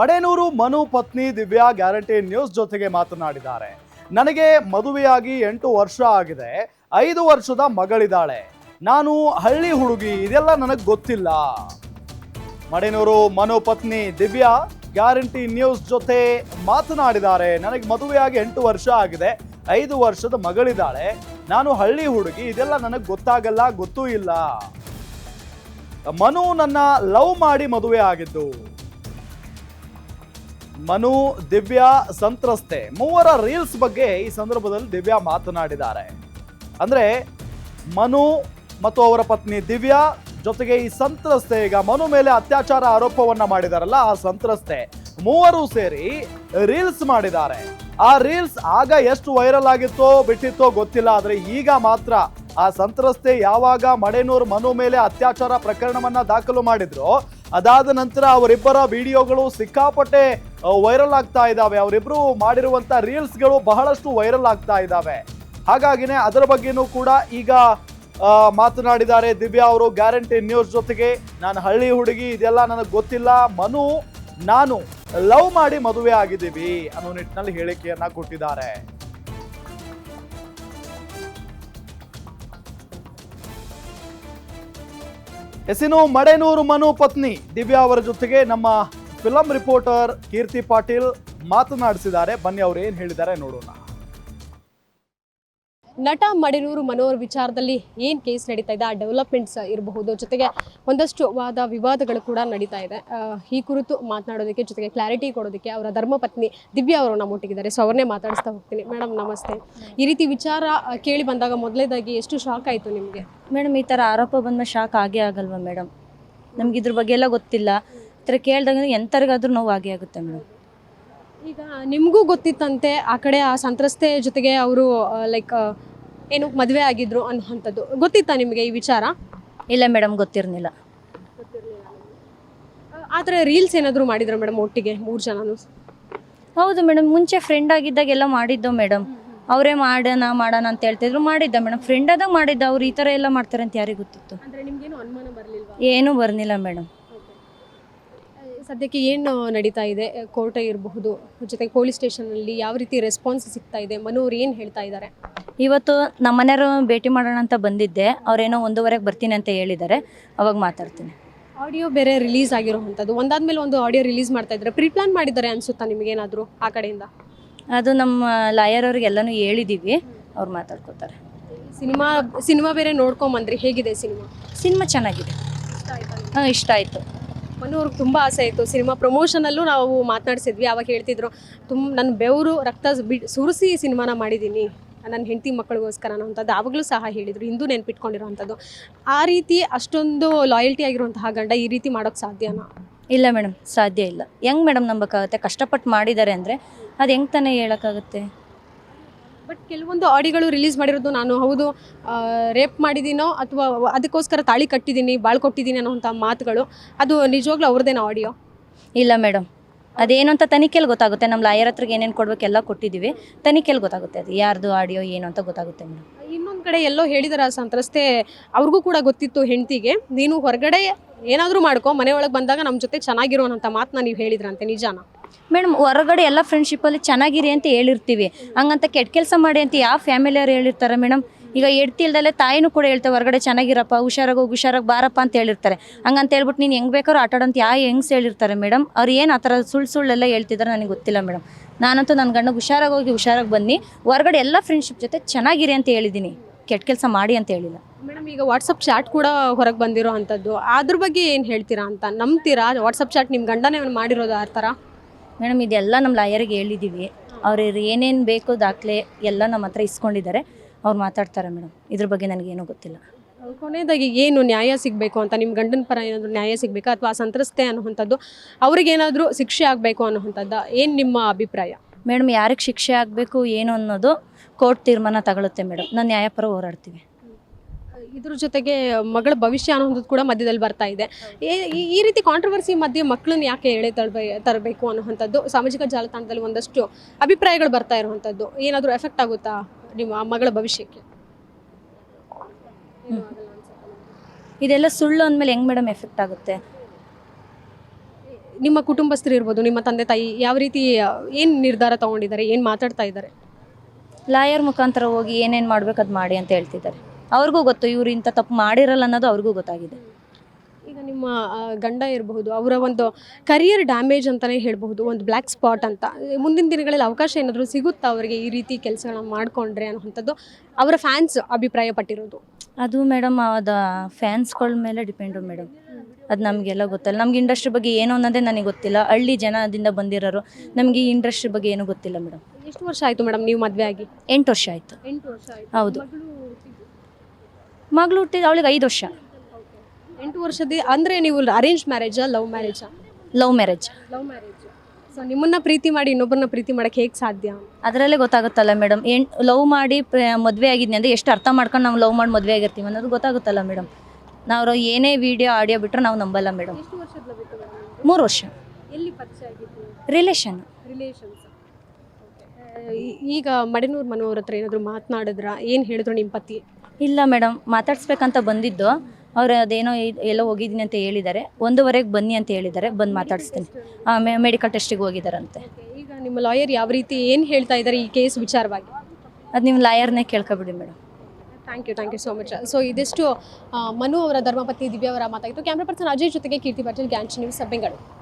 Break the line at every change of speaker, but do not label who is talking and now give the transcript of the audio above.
ಮಡೇನೂರು ಮನು ಪತ್ನಿ Divya guarantee news ಜೊತೆಗೆ ಮಾತನಾಡಿದ್ದಾರೆ. ನನಗೆ ಮದುವೆಯಾಗಿ 8 ವರ್ಷ ಆಗಿದೆ. 5 ವರ್ಷದ ಮಗಳಿದ್ದಾಳೆ. ನಾನು ಹಳ್ಳಿ ಹುಡುಗಿ, ಇದೆಲ್ಲ ನನಗೆ ಗೊತ್ತಿಲ್ಲ. ಮಡೇನೂರು ಮನು ಪತ್ನಿ ದಿವ್ಯಾ ಗ್ಯಾರಂಟಿ ನ್ಯೂಸ್ ಜೊತೆ ಮಾತನಾಡಿದ್ದಾರೆ. ನನಗೆ ಮದುವೆಯಾಗಿ 8 ವರ್ಷ ಆಗಿದೆ. 5 ವರ್ಷದ ಮಗಳಿದ್ದಾಳೆ. ನಾನು ಹಳ್ಳಿ ಹುಡುಗಿ, ಇದೆಲ್ಲ ನನಗೆ ಗೊತ್ತಾಗಲ್ಲ, ಗೊತ್ತೂ ಇಲ್ಲ. ಮನು ನನ್ನ ಲವ್ ಮಾಡಿ ಮದುವೆ ಆಗಿದ್ದು. ಮನು ದಿವ್ಯಾ ಸಂತ್ರಸ್ತೆ. ಮೂವರ ರೀಲ್ಸ್ ಬಗ್ಗೆ ಈ ಸಂದರ್ಭದಲ್ಲಿ ದಿವ್ಯಾ ಮಾತನಾಡಿದ್ದಾರೆ. ಅಂದ್ರೆ ಮನು ಮತ್ತು ಅವರ ಪತ್ನಿ ದಿವ್ಯಾ ಜೊತೆಗೆ ಈ ಸಂತ್ರಸ್ತೆ, ಈಗ ಮನು ಮೇಲೆ ಅತ್ಯಾಚಾರ ಆರೋಪವನ್ನ ಮಾಡಿದಾರಲ್ಲ ಆ ಸಂತ್ರಸ್ತೆ, ಮೂವರು ಸೇರಿ ರೀಲ್ಸ್ ಮಾಡಿದ್ದಾರೆ. ಆ ರೀಲ್ಸ್ ಆಗ ಎಷ್ಟು ವೈರಲ್ ಆಗಿತ್ತೋ ಬಿಟ್ಟಿತ್ತೋ ಗೊತ್ತಿಲ್ಲ. ಆದ್ರೆ ಈಗ ಮಾತ್ರ ಆ ಸಂತ್ರಸ್ತೆ ಯಾವಾಗ ಮಡೇನೂರು ಮನು ಮೇಲೆ ಅತ್ಯಾಚಾರ ಪ್ರಕರಣವನ್ನ ದಾಖಲು ಮಾಡಿದ್ರು, ಅದಾದ ನಂತರ ಅವರಿಬ್ಬರ ವಿಡಿಯೋಗಳು ಸಿಕ್ಕಾಪಟ್ಟೆ ವೈರಲ್ ಆಗ್ತಾ ಇದ್ದಾವೆ. ಅವರಿಬ್ರು ಮಾಡಿರುವಂತ ರೀಲ್ಸ್ಗಳು ಬಹಳಷ್ಟು ವೈರಲ್ ಆಗ್ತಾ ಇದ್ದಾವೆ. ಹಾಗಾಗಿನೇ ಅದರ ಬಗ್ಗೆನೂ ಕೂಡ ಈಗ ಮಾತನಾಡಿದ್ದಾರೆ ದಿವ್ಯಾ ಅವರು ಗ್ಯಾರಂಟಿ ನ್ಯೂಸ್ ಜೊತೆಗೆ. ನಾನು ಹಳ್ಳಿ ಹುಡುಗಿ, ಇದೆಲ್ಲ ನನಗೆ ಗೊತ್ತಿಲ್ಲ. ಮನು ನಾನು ಲವ್ ಮಾಡಿ ಮದುವೆ ಆಗಿದ್ದೀವಿ ಅನ್ನೋ ನಿಟ್ಟಿನಲ್ಲಿ ಹೇಳಿಕೆಯನ್ನ ಕೊಟ್ಟಿದ್ದಾರೆ. ಎಸಿನು ಮಡೇನೂರು ಮನು ಪತ್ನಿ ದಿವ್ಯಾ ಅವರ ಜೊತೆಗೆ ನಮ್ಮ ಫಿಲಂ ರಿಪೋರ್ಟರ್ ಕೀರ್ತಿ ಪಾಟೀಲ್ ಮಾತನಾಡಿಸಿದ್ದಾರೆ. ಬನ್ನಿ ಅವ್ರು ಏನ್ ಹೇಳಿದ್ದಾರೆ ನೋಡೋಣ.
ನಟ ಮಡೇನೂರು ಮನೋಹರ್ ವಿಚಾರದಲ್ಲಿ ಏನು ಕೇಸ್ ನಡೀತಾ ಇದೆ, ಆ ಡೆವಲಪ್ಮೆಂಟ್ಸ್ ಇರಬಹುದು, ಜೊತೆಗೆ ಒಂದಷ್ಟು ವಾದ ವಿವಾದಗಳು ಕೂಡ ನಡೀತಾ ಇದೆ. ಈ ಕುರಿತು ಮಾತನಾಡೋದಕ್ಕೆ, ಜೊತೆಗೆ ಕ್ಲಾರಿಟಿ ಕೊಡೋದಕ್ಕೆ ಅವರ ಧರ್ಮಪತ್ನಿ ದಿವ್ಯಾ ಅವರು ನಮ್ಮೊಟ್ಟಿಗಿದ್ದಾರೆ. ಸೊ ಅವ್ರನ್ನೇ ಮಾತಾಡಿಸ್ತಾ ಹೋಗ್ತೀನಿ. ಮೇಡಮ್ ನಮಸ್ತೆ. ಈ ರೀತಿ ವಿಚಾರ ಕೇಳಿ ಬಂದಾಗ ಮೊದಲೇದಾಗಿ ಎಷ್ಟು ಶಾಕ್ ಆಯಿತು ನಿಮಗೆ?
ಮೇಡಮ್, ಈ ಥರ ಆರೋಪ ಬಂದ್ಮೇಲೆ ಶಾಕ್ ಆಗೇ ಆಗಲ್ವಾ ಮೇಡಮ್? ನಮ್ಗೆ ಇದ್ರ ಬಗ್ಗೆ ಎಲ್ಲ ಗೊತ್ತಿಲ್ಲ. ಈ ಥರ ಕೇಳಿದಾಗ ಎಂಥರಿಗಾದ್ರೂ ನೋವು ಆಗೇ ಆಗುತ್ತೆ ಮೇಡಮ್.
ಈಗ ನಿಮಗೂ ಗೊತ್ತಿತ್ತಂತೆ ಆ ಕಡೆ ಆ ಸಂತ್ರಸ್ತೆ ಜೊತೆಗೆ ಅವರು ಲೈಕ್ ಏನು ಮದುವೆ ಆಗಿದ್ರು ಅನ್ನೋಂಥದ್ದು ಗೊತ್ತಿತ್ತಾ ನಿಮಗೆ ಈ ವಿಚಾರ?
ಇಲ್ಲ ಮೇಡಮ್, ಗೊತ್ತಿರಲಿಲ್ಲ.
ಆದರೆ ರೀಲ್ಸ್ ಏನಾದರೂ ಮಾಡಿದ್ರು ಮೇಡಮ್ ಒಟ್ಟಿಗೆ 3 ಜನನು?
ಹೌದು ಮೇಡಮ್, ಮುಂಚೆ ಫ್ರೆಂಡ್ ಆಗಿದ್ದಾಗೆಲ್ಲ ಮಾಡಿದ್ದೋ ಮೇಡಮ್. ಅವರೇ ಮಾಡೋಣ ಅಂತ ಹೇಳ್ತಿದ್ರು, ಮಾಡಿದ್ದ ಮೇಡಮ್. ಫ್ರೆಂಡ್ ಆದಾಗ ಮಾಡಿದ್ದ. ಅವ್ರು ಈ ಥರ ಎಲ್ಲ ಮಾಡ್ತಾರೆ ಅಂತ ಯಾರಿಗೆ ಗೊತ್ತಿತ್ತು?
ಅಂದರೆ ನಿಮಗೇನು ಅನುಮಾನ ಬರಲಿಲ್ವಾ?
ಏನೂ ಬರ್ನಿಲ್ಲ ಮೇಡಮ್.
ಸದ್ಯಕ್ಕೆ ಏನು ನಡೀತಾ ಇದೆ? ಕೋರ್ಟ್ ಇರಬಹುದು, ಜೊತೆಗೆ ಪೊಲೀಸ್ ಸ್ಟೇಷನಲ್ಲಿ ಯಾವ ರೀತಿ ರೆಸ್ಪಾನ್ಸ್ ಸಿಗ್ತಾ ಇದೆ? ಮನೋರು ಏನು ಹೇಳ್ತಾ ಇದ್ದಾರೆ?
ಇವತ್ತು ನಮ್ಮ ಮನೆಯವರು ಭೇಟಿ ಮಾಡೋಣ ಅಂತ ಬಂದಿದ್ದೆ. ಅವರೇನೋ 1:15ಕ್ಕೆ ಬರ್ತೀನಿ ಅಂತ ಹೇಳಿದ್ದಾರೆ. ಅವಾಗ ಮಾತಾಡ್ತೀನಿ.
ಆಡಿಯೋ ಬೇರೆ ರಿಲೀಸ್ ಆಗಿರೋವಂಥದ್ದು, ಒಂದಾದ್ಮೇಲೆ ಒಂದು ಆಡಿಯೋ ರಿಲೀಸ್ ಮಾಡ್ತಾ ಇದ್ದಾರೆ. ಪ್ರೀಪ್ಲಾನ್ ಮಾಡಿದ್ದಾರೆ ಅನ್ಸುತ್ತಾ ನಿಮಗೇನಾದರೂ ಆ ಕಡೆಯಿಂದ?
ಅದು ನಮ್ಮ ಲಾಯರ್ ಅವ್ರಿಗೆಲ್ಲನೂ ಹೇಳಿದ್ದೀವಿ, ಅವ್ರು ಮಾತಾಡ್ಕೋತಾರೆ.
ಸಿನಿಮಾ ಬೇರೆ ನೋಡ್ಕೊಂಬಂದ್ರಿ, ಹೇಗಿದೆ ಸಿನಿಮಾ?
ಸಿನಿಮಾ ಚೆನ್ನಾಗಿದೆ. ಹಾಂ, ಇಷ್ಟ ಆಯಿತು.
ಮನೋರ್ಗೆ ತುಂಬ ಆಸೆ ಇತ್ತು. ಸಿನಿಮಾ ಪ್ರಮೋಷನಲ್ಲೂ ನಾವು ಮಾತನಾಡಿಸಿದ್ವಿ. ಅವಾಗ ಹೇಳ್ತಿದ್ರು, ನನ್ನ ಬೆವರು ರಕ್ತ ಸುರಿಸಿ ಸಿನಿಮಾನ ಮಾಡಿದ್ದೀನಿ ನನ್ನ ಹೆಂಡತಿ ಮಕ್ಕಳಿಗೋಸ್ಕರ ಅನ್ನೋಂಥದ್ದು ಆವಾಗಲೂ ಸಹ ಹೇಳಿದರು. ಇಂದು ನೆನ್ಪಿಟ್ಕೊಂಡಿರೋವಂಥದ್ದು. ಆ ರೀತಿ ಅಷ್ಟೊಂದು ಲಾಯಲ್ಟಿ ಆಗಿರುವಂತಹ ಗಂಡ ಈ ರೀತಿ ಮಾಡೋಕ್ಕೆ ಸಾಧ್ಯನಾ?
ಇಲ್ಲ ಮೇಡಮ್, ಸಾಧ್ಯ ಇಲ್ಲ. ಹೆಂಗೆ ಮೇಡಮ್ ನಂಬಕ್ಕಾಗುತ್ತೆ? ಕಷ್ಟಪಟ್ಟು ಮಾಡಿದ್ದಾರೆ ಅಂದರೆ ಅದು ಹೆಂಗೆ ತಾನೇ ಹೇಳೋಕ್ಕಾಗುತ್ತೆ?
ಬಟ್ ಕೆಲವೊಂದು ಆಡಿಯೋಗಳು ರಿಲೀಸ್ ಮಾಡಿರೋದು, ನಾನು ಹೌದು ರೇಪ್ ಮಾಡಿದ್ದೀನೋ ಅಥವಾ ಅದಕ್ಕೋಸ್ಕರ ತಾಳಿ ಕಟ್ಟಿದ್ದೀನಿ, ಬಾಳ್ ಕೊಟ್ಟಿದ್ದೀನಿ ಅನ್ನೋಂಥ ಮಾತುಗಳು, ಅದು ನಿಜವಾಗ್ಲೂ ಅವ್ರದ್ದೇನೋ ಆಡಿಯೋ? ಇಲ್ಲ ಮೇಡಮ್, ಅದೇನು ಅಂತ ತನಿಖೆಯಲ್ಲಿ ಗೊತ್ತಾಗುತ್ತೆ. ನಮ್ಮ ಲಾಯರ್ ಹತ್ರಕ್ಕೆ ಏನೇನು ಕೊಡಬೇಕೆಲ್ಲ ಕೊಟ್ಟಿದ್ದೀವಿ. ತನಿಖೆಯಲ್ಲಿ ಗೊತ್ತಾಗುತ್ತೆ ಅದು ಯಾರ್ದು ಆಡಿಯೋ ಏನು ಅಂತ ಗೊತ್ತಾಗುತ್ತೆ ಮೇಡಮ್. ಇನ್ನೊಂದು ಕಡೆ ಎಲ್ಲೋ ಹೇಳಿದಾರೆ ಆ ಸಂತ್ರಸ್ತೆ, ಅವ್ರಿಗೂ ಕೂಡ ಗೊತ್ತಿತ್ತು ಹೆಂಡತಿಗೆ, ನೀನು ಹೊರಗಡೆ ಏನಾದರೂ ಮಾಡ್ಕೊ, ಮನೆ ಒಳಗೆ ಬಂದಾಗ ನಮ್ಮ ಜೊತೆ ಚೆನ್ನಾಗಿರೋವಂಥ ಮಾತನ್ನ ನೀವು ಹೇಳಿದ್ರಂತೆ, ನಿಜಾನ?
ಮೇಡಮ್, ಹೊರಗಡೆ ಎಲ್ಲ ಫ್ರೆಂಡ್ಶಿಪ್ಪಲ್ಲಿ ಚೆನ್ನಾಗಿರಿ ಅಂತ ಹೇಳಿರ್ತೀವಿ. ಹಂಗಂತ ಕೆಟ್ಟ ಕೆಲಸ ಮಾಡಿ ಅಂತ ಯಾವ ಫ್ಯಾಮಿಲಿಯವ್ರು ಹೇಳಿರ್ತಾರೆ ಮೇಡಮ್? ಈಗ ಎಡ್ತಿಲ್ದಲ್ಲೇ ತಾಯಿನೂ ಕೂಡ ಹೇಳ್ತಾರೆ, ಹೊರಗಡೆ ಚೆನ್ನಾಗಿರಪ್ಪ, ಹುಷಾರಾಗಿ ಬಾರಪ್ಪ ಅಂತ ಹೇಳಿರ್ತಾರೆ. ಹಂಗಂತ ಹೇಳ್ಬಿಟ್ಟು ನೀನು ಹೆಂಗೆ ಬೇಕಾದ್ರೂ ಆಟಾಡೋಂತ ಹೆಂಗ್ಸ್ ಹೇಳಿರ್ತಾರೆ ಮೇಡಮ್? ಅವ್ರು ಏನು ಆ ಥರ ಸುಳ್ಳೆಲ್ಲ ಹೇಳ್ತಿದ್ದಾರೆ ನನಗೆ ಗೊತ್ತಿಲ್ಲ ಮೇಡಮ್. ನಾನಂತೂ ನನ್ನ ಗಂಡ ಹುಷಾರಾಗಿ ಬನ್ನಿ, ಹೊರಗಡೆ ಎಲ್ಲ ಫ್ರೆಂಡ್ಶಿಪ್ ಜೊತೆ ಚೆನ್ನಾಗಿರಿ ಅಂತ ಹೇಳಿದ್ದೀನಿ, ಕೆಟ್ಟ ಕೆಲಸ ಮಾಡಿ ಅಂತ ಹೇಳಿಲ್ಲ
ಮೇಡಮ್. ಈಗ ವಾಟ್ಸಪ್ ಚಾಟ್ ಕೂಡ ಹೊರಗೆ ಬಂದಿರೋ ಅಂಥದ್ದು, ಅದ್ರ ಬಗ್ಗೆ ಏನು ಹೇಳ್ತೀರಾ ಅಂತ? ನಂಬ್ತೀರಾ ವಾಟ್ಸಪ್ ಚಾಟ್ ನಿಮ್ಮ ಗಂಡನೇ ಮಾಡಿರೋದು ಆ ಥರ?
ಮೇಡಮ್, ಇದೆಲ್ಲ ನಮ್ಮ ಲಾಯರಿಗೆ ಹೇಳಿದ್ದೀವಿ. ಅವ್ರು ಏನೇನು ಬೇಕು ದಾಖಲೆ ಎಲ್ಲ ನಮ್ಮ ಹತ್ರ ಇಸ್ಕೊಂಡಿದ್ದಾರೆ. ಅವ್ರು ಮಾತಾಡ್ತಾರೆ ಮೇಡಮ್. ಇದ್ರ ಬಗ್ಗೆ ನನಗೇನೂ ಗೊತ್ತಿಲ್ಲ.
ಕೊನೆಯದಾಗಿ ಏನು ನ್ಯಾಯ ಸಿಗಬೇಕು ಅಂತ, ನಿಮ್ಮ ಗಂಡನ ಪರ ಏನಾದರೂ ನ್ಯಾಯ ಸಿಗಬೇಕಾ ಅಥವಾ ಸಂತ್ರಸ್ತೆ ಅನ್ನುವಂಥದ್ದು ಅವ್ರಿಗೇನಾದರೂ ಶಿಕ್ಷೆ ಆಗಬೇಕು ಅನ್ನುವಂಥದ್ದು ಏನು ನಿಮ್ಮ ಅಭಿಪ್ರಾಯ?
ಮೇಡಮ್, ಯಾರಿಗೆ ಶಿಕ್ಷೆ ಆಗಬೇಕು ಏನು ಅನ್ನೋದು ಕೋರ್ಟ್ ತೀರ್ಮಾನ ತಗೊಳುತ್ತೆ ಮೇಡಮ್. ನಾನು ನ್ಯಾಯಪರ ಹೋರಾಡ್ತೀವಿ.
ಇದ್ರ ಜೊತೆಗೆ ಮಗಳ ಭವಿಷ್ಯ ಅನ್ನೋದು ಕೂಡ ಮಧ್ಯದಲ್ಲಿ ಬರ್ತಾ ಇದೆ. ಈ ರೀತಿ ಕಾಂಟ್ರವರ್ಸಿ ಮಧ್ಯೆ ಮಕ್ಕಳನ್ನ ಯಾಕೆ ತರಬೇಕು ಅನ್ನೋವಂಥದ್ದು ಸಾಮಾಜಿಕ ಜಾಲತಾಣದಲ್ಲಿ ಒಂದಷ್ಟು ಅಭಿಪ್ರಾಯಗಳು ಬರ್ತಾ ಇರುವಂಥದ್ದು, ಏನಾದರೂ ಎಫೆಕ್ಟ್ ಆಗುತ್ತಾ ನಿಮ್ಮ ಮಗಳ ಭವಿಷ್ಯಕ್ಕೆ?
ಇದೆಲ್ಲ ಸುಳ್ಳು ಅಂದಮೇಲೆ ಹೆಂಗೆ ಮೇಡಮ್ ಎಫೆಕ್ಟ್ ಆಗುತ್ತೆ?
ನಿಮ್ಮ ಕುಟುಂಬಸ್ಥರು ಇರ್ಬೋದು, ನಿಮ್ಮ ತಂದೆ ತಾಯಿ ಯಾವ ರೀತಿ ಏನು ನಿರ್ಧಾರ ತಗೊಂಡಿದ್ದಾರೆ, ಏನು ಮಾತಾಡ್ತಾ ಇದ್ದಾರೆ?
ಲಾಯರ್ ಮುಖಾಂತರ ಹೋಗಿ ಏನೇನು ಮಾಡ್ಬೇಕು ಅದು ಮಾಡಿ ಅಂತ ಹೇಳ್ತಿದ್ದಾರೆ. ಅವ್ರಿಗೂ ಗೊತ್ತು ಇವ್ರು ಇಂಥ ತಪ್ಪು ಮಾಡಿರಲ್ಲ ಅನ್ನೋದು ಅವ್ರಿಗೂ ಗೊತ್ತಾಗಿದೆ.
ಈಗ ನಿಮ್ಮ ಗಂಡ ಇರಬಹುದು, ಅವರ ಒಂದು ಕರಿಯರ್ ಡ್ಯಾಮೇಜ್ ಅಂತಲೇ ಹೇಳಬಹುದು, ಒಂದು ಬ್ಲ್ಯಾಕ್ ಸ್ಪಾಟ್ ಅಂತ. ಮುಂದಿನ ದಿನಗಳಲ್ಲಿ ಅವಕಾಶ ಏನಾದರೂ ಸಿಗುತ್ತಾ ಅವರಿಗೆ ಈ ರೀತಿ ಕೆಲಸಗಳನ್ನ ಮಾಡಿಕೊಂಡ್ರೆ ಅನ್ನೋವಂಥದ್ದು ಅವರ ಫ್ಯಾನ್ಸ್ ಅಭಿಪ್ರಾಯ ಪಟ್ಟಿರೋದು?
ಅದು ಮೇಡಮ್ ಅದು ಫ್ಯಾನ್ಸ್ಗಳ ಮೇಲೆ ಡಿಪೆಂಡು ಮೇಡಮ್. ಅದು ನಮಗೆಲ್ಲ ಗೊತ್ತಲ್ಲ. ನಮ್ಗೆ ಇಂಡಸ್ಟ್ರಿ ಬಗ್ಗೆ ಏನು ಅನ್ನೋದೇ ನನಗೆ ಗೊತ್ತಿಲ್ಲ. ಹಳ್ಳಿ ಜನದಿಂದ ಬಂದಿರೋರು, ನಮಗೆ ಈ ಇಂಡಸ್ಟ್ರಿ ಬಗ್ಗೆ ಏನೂ ಗೊತ್ತಿಲ್ಲ ಮೇಡಮ್.
ಎಷ್ಟು ವರ್ಷ ಆಯಿತು ಮೇಡಮ್ ನೀವು ಮದುವೆ ಆಗಿ?
8 ವರ್ಷ ಆಯಿತು.
8 ವರ್ಷ ಆಯಿತು.
ಹೌದು. ಮಗಳು ಹುಟ್ಟಿದ ಅವಳಿಗೆ 5 ವರ್ಷ.
8 ವರ್ಷದ ಅಂದರೆ ನೀವು ಅರೇಂಜ್ ಮ್ಯಾರೇಜಾ, ಲವ್ ಮ್ಯಾರೇಜಾ?
Love marriage.
Love marriage. So ನಿಮ್ಮನ್ನ ಪ್ರೀತಿ ಮಾಡಿ ಇನ್ನೊಬ್ಬರನ್ನ ಪ್ರೀತಿ ಮಾಡಕ್ಕೆ ಹೇಗೆ ಸಾಧ್ಯ?
ಅದರಲ್ಲೇ ಗೊತ್ತಾಗುತ್ತಲ್ಲ ಮೇಡಮ್. ಲವ್ ಮಾಡಿ ಮದುವೆ ಆಗಿದ್ನಿ ಅಂದರೆ ಎಷ್ಟು ಅರ್ಥ ಮಾಡ್ಕೊಂಡು ನಾವು ಲವ್ ಮಾಡಿ ಮದುವೆ ಆಗಿರ್ತೀವಿ ಅನ್ನೋದು ಗೊತ್ತಾಗುತ್ತಲ್ಲ ಮೇಡಮ್. ನಾವು ಏನೇ ವಿಡಿಯೋ ಆಡಿಯೋ ಬಿಟ್ಟರೆ ನಾವು ನಂಬಲ್ಲ ಮೇಡಮ್.
ಎಷ್ಟು ವರ್ಷದ ಲವ್ ಇತ್ತು ಮೇಡಮ್?
3 ವರ್ಷ.
ಎಲ್ಲಿ ಪರಿಚಯ ಆಗಿತ್ತು?
ರಿಲೇಷನ್.
ರಿಲೇಷನ್ಸ್. ಈಗ ಮಡೆನೂರು ಮನೋವ್ರ ಹತ್ರ ಏನಾದರೂ ಮಾತನಾಡಿದ್ರ? ಏನು ಹೇಳಿದ್ರು ನಿಮ್ಮ ಪತಿ?
ಇಲ್ಲ ಮೇಡಮ್, ಮಾತಾಡ್ಸ್ಬೇಕಂತ ಬಂದಿದ್ದು. ಅವ್ರು ಅದೇನೋ ಎಲ್ಲೋ ಹೋಗಿದ್ದೀನಿ ಅಂತ ಹೇಳಿದ್ದಾರೆ. 1:15ಕ್ಕೆ ಬನ್ನಿ ಅಂತ ಹೇಳಿದ್ದಾರೆ. ಬಂದು ಮಾತಾಡಿಸ್ತೀನಿ. ಮೆಡಿಕಲ್ ಟೆಸ್ಟಿಗೆ ಹೋಗಿದ್ದಾರಂತೆ.
ಈಗ ನಿಮ್ಮ ಲಾಯರ್ ಯಾವ ರೀತಿ ಏನು ಹೇಳ್ತಾ ಇದ್ದಾರೆ ಈ ಕೇಸ್ ವಿಚಾರವಾಗಿ?
ಅದು ನಿಮ್ಮ ಲಾಯರ್ನೇ ಕೇಳ್ಕೊಬಿಡಿ madam.
Thank you so much. So ಇದಿಷ್ಟು ಮನು ಅವರ ಧರ್ಮಪತ್ನಿ ದಿವ್ಯಾ ಅವರ ಮಾತಾಗಿತ್ತು. ಕ್ಯಾಮ್ರಾ ಪರ್ಸನ್ ಅಜಯ್ ಜೊತೆಗೆ ಕೀರ್ತಿ ಪಾಟೀಲ್, ಗ್ಯಾಂಚ್ ನ್ಯೂಸ್, ಬೆಂಗಳೂರು.